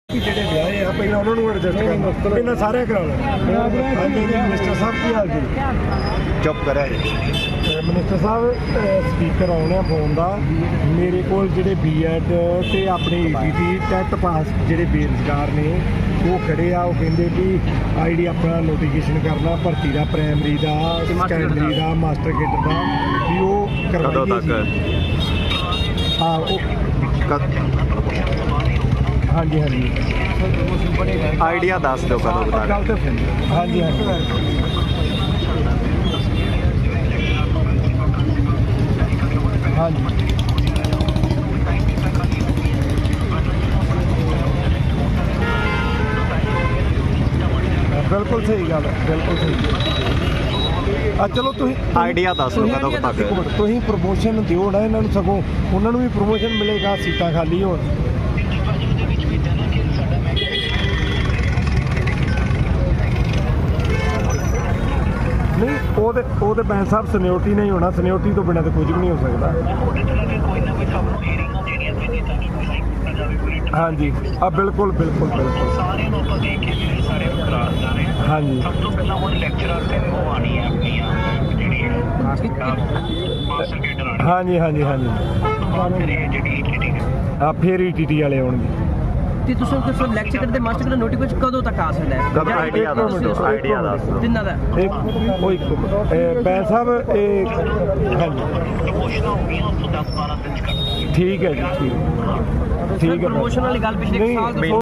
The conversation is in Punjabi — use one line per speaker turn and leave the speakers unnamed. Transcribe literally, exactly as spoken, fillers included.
ਜਿਹੜੇ ਵਿਆਹੇ ਆ ਪਹਿਲਾਂ ਉਹਨਾਂ ਨੂੰ ਐਡਜਸਟ ਕਰਨਾ ਪਹਿਲਾਂ ਸਾਰੇ ਕਰਾ ਲਓ। ਹਾਂਜੀ ਮਿਨਿਸਟਰ ਸਾਹਿਬ ਕੀ ਹਾਲ ਜੀ?
ਚੁੱਪ ਕਰਿਆ ਜੀ।
ਮਿਨਿਸਟਰ ਸਾਹਿਬ ਸਪੀਕਰ ਆਉਣਾ ਫੋਨ ਦਾ ਮੇਰੇ ਕੋਲ ਜਿਹੜੇ ਬੀ ਐਡ ਤੇ ਆਪਣੇ E T T TET pass ਜਿਹੜੇ ਬੇਰੁਜ਼ਗਾਰ ਨੇ ਉਹ ਖੜੇ ਆ। ਉਹ ਕਹਿੰਦੇ ਕਿ ਆਈ ਡੀ ਆਪਣਾ ਨੋਟੀਫਿਕੇਸ਼ਨ ਕਰਨਾ ਭਰਤੀ ਦਾ, ਪ੍ਰਾਇਮਰੀ ਦਾ, ਸੈਕੰਡਰੀ ਦਾ, ਮਾਸਟਰ ਕੇਡਰ ਦਾ ਵੀ ਉਹ
ਕਦੋਂ
ਕਰਵਾਈਏ
ਤੱਕ?
ਹਾਂ ਉਹ ਹਾਂਜੀ ਹਾਂਜੀ
ਆਈਡੀਆ ਦੱਸ ਦਿਓ ਕਦੋਂ ਤੱਕ?
ਗੱਲ ਤਾਂ ਹਾਂਜੀ ਹਾਂਜੀ ਹਾਂਜੀ ਬਿਲਕੁਲ ਸਹੀ ਗੱਲ ਹੈ, ਬਿਲਕੁਲ ਸਹੀ। ਆ ਚਲੋ ਤੁਸੀਂ
ਆਈਡੀਆ ਦੱਸ ਦਿਓ ਕਦੋਂ ਤੱਕ?
ਤੁਸੀਂ ਪ੍ਰਮੋਸ਼ਨ ਦਿਓ ਨਾ ਇਹਨਾਂ ਨੂੰ, ਸਗੋਂ ਉਹਨਾਂ ਨੂੰ ਵੀ ਪ੍ਰਮੋਸ਼ਨ ਮਿਲੇਗਾ, ਸੀਟਾਂ ਖਾਲੀ ਹੋਣ। ਨਹੀਂ ਉਹਦੇ ਉਹਦੇ ਬੈਂਸ ਸਾਹਿਬ ਸੀਨੀਅਰਟੀ ਨਹੀਂ ਹੋਣਾ, ਸੀਨੀਅਰਟੀ ਤੋਂ ਬਿਨਾਂ ਤਾਂ ਕੁਝ ਵੀ ਨਹੀਂ ਹੋ ਸਕਦਾ। ਹਾਂਜੀ ਆ ਬਿਲਕੁਲ ਬਿਲਕੁਲ ਬਿਲਕੁਲ
ਸਾਰਿਆਂ ਨੂੰ ਆਪਾਂ ਦੇਖ ਕੇ ਜਿਹੜੇ ਸਾਰੇ ਕਰਾਰਦਾਂ ਨੇ।
ਹਾਂਜੀ
ਸਭ ਤੋਂ ਪਹਿਲਾਂ ਉਹ ਲੈਕਚਰਰ ਤੇ ਉਹ ਆਣੀ ਹੈ ਆਪਣੀ ਜਿਹੜੀ ਹੈ ਮਾਸਟਰ ਕੇਡਰ ਆਣੀ।
ਹਾਂਜੀ ਹਾਂਜੀ ਹਾਂਜੀ
ਬਾਅਦ ਫਿਰ ਇਹ ਜਿਹੜੀ ਈਟੀਟੀ ਹੈ
ਆ ਫੇਰ ਈ ਟੀ ਟੀ ਵਾਲੇ ਆਉਣਗੇ।
ਤੇ ਤੁਸੀਂ ਕਿਸੇ ਲੈਕਚਰ ਕਰਦੇ ਮਾਸਟਰ ਦਾ ਨੋਟੀਫਿਕੇਸ਼ਨ ਕਦੋਂ ਤੱਕ ਆ ਸਕਦਾ ਹੈ?
ਕਦੋਂ? ਆਈਡੀਆ ਦੱਸ ਦਿਓ, ਆਈਡੀਆ ਦੱਸ ਦਿਓ।
ਤਿੰਨਾਂ ਦਾ
ਇੱਕ ਉਹ ਇੱਕ ਬੈਂਸ ਸਾਹਿਬ ਇਹ ਹਾਂਜੀ
ਪ੍ਰਮੋਸ਼ਨਾਂ ਹੋ ਗਈਆਂ ਉਸ ਤੋਂ ਦਸ ਬਾਰਾਂ ਦਿਨ ਚ ਕਰ
ਠੀਕ ਹੈ ਜੀ, ਠੀਕ ਠੀਕ ਹੈ।
ਪ੍ਰਮੋਸ਼ਨ ਵਾਲੀ ਗੱਲ ਪਿਛਲੇ
ਨਹੀਂ,
ਸਾਲ ਤੋਂ